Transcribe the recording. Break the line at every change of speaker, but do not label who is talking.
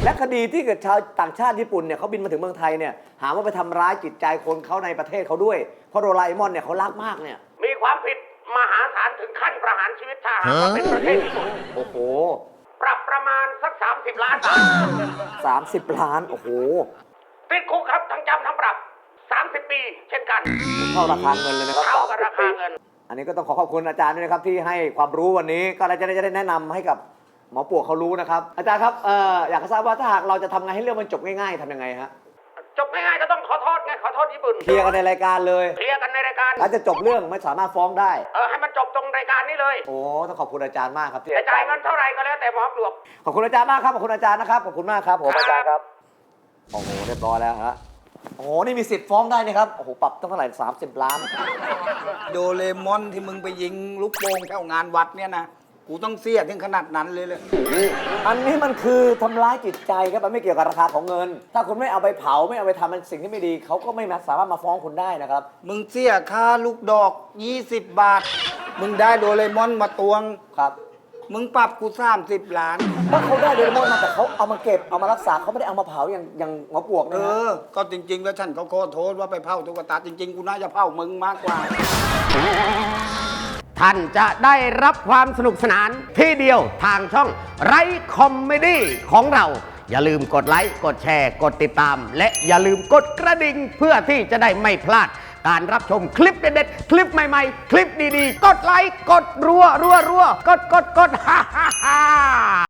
และคดีที่เกิดชาวต่างชาติญี่ปุ่นเนี่ยเขาบินมาถึงเมืองไทยเนี่ยหาว่าไปทำร้ายจิตใจคนเขาในประเทศเขาด้วยเพราะโดราเอมอนเนี่ยเขารักมากเนี่ย
มีความผิดมหาศาลถึงขั้นประหารชีวิตถ้าหากว่าเป็นประเทศญี่ปุ่น
โอ้โห
ปรับประมาณสัก30 ล้านบาท
30 ล้านโอ้โห
ติดคุกครับทั้งจำทั้งปรับ30 ปีเช่นกัน
เท่าราคาเงินเลยนะครับ
เท่ากับราคาเงิน
อันนี้ก็ต้องขอบคุณอาจารย์ด้วยนะครับที่ให้ความรู้วันนี้ก็จะได้แนะนำให้กับหมอปวกเขารู้นะครับอาจารย์ครับอยากทราบว่าถ้าหากเราจะทำไงให้เรื่องมันจบง่ายๆทำยังไงฮะ
จบง่ายๆก็ต้องขอโทษไงขอโทษญี่ปุ่น
เคลียร์กันในรายการเลย
เคลียร์กันในรายการ
แล้วจะจบเรื่องไม่สามารถฟ้องได้
ให้มันจบตรงรายการนี้เลย
โอ้ต้องขอบคุณอาจารย์มากครับที่
จะจ่ายเงินเท่าไหร่ก็แล้วแต่หมอปลวก
ขอบคุณอาจารย์มากครับขอบคุณอาจารย์นะครับขอบคุณมากครับผมอาจารย์ครับโอ้โหเรียบร้อยแล้วฮะโอ้โหนี่มีสิทธิ์ฟ้องได้นี่ครับโอ้โหปรับตั้งเท่าไหร่30 ล้าน
โดเรมอนที่มึงไปยิงลูกโป่งแถวงานวัดเนี่ยนะกูต้องเสียถึงขนาดนั้นเลย
อันนี้มันคือทำร้ายจิตใจครับมันไม่เกี่ยวกับราคาของเงินถ้าคุณไม่เอาไปเผาไม่เอาไปทำมันสิ่งที่ไม่ดีเขาก็ไม่สามารถมาฟ้องคุณได้นะครับ
มึงเสียค่าลูกดอก20 บาทมึงได้โดเรมอนมาตวง
ครับ
มึงปรับกู30 ล้าน
ถ้าเขาได้โดเรมอนมาแต่เขาเอามาเก็บเอามารักษาเขาไม่ได้เอามาเผาอย่างหมอปลวกนะ
ก็จริงๆแล้วฉันเขาขอโทษว่าไปเผาตุ๊กตาจริงๆกูน่าจะเผามึงมากกว่า
ท่านจะได้รับความสนุกสนานที่เดียวทางช่องไรคอมเมดี้ของเราอย่าลืมกดไลค์กดแชร์กดติดตามและอย่าลืมกดกระดิ่งเพื่อที่จะได้ไม่พลาดการรับชมคลิปเด็ดๆคลิปใหม่ๆคลิปดีๆกดไลค์กดรัวกดฮ่า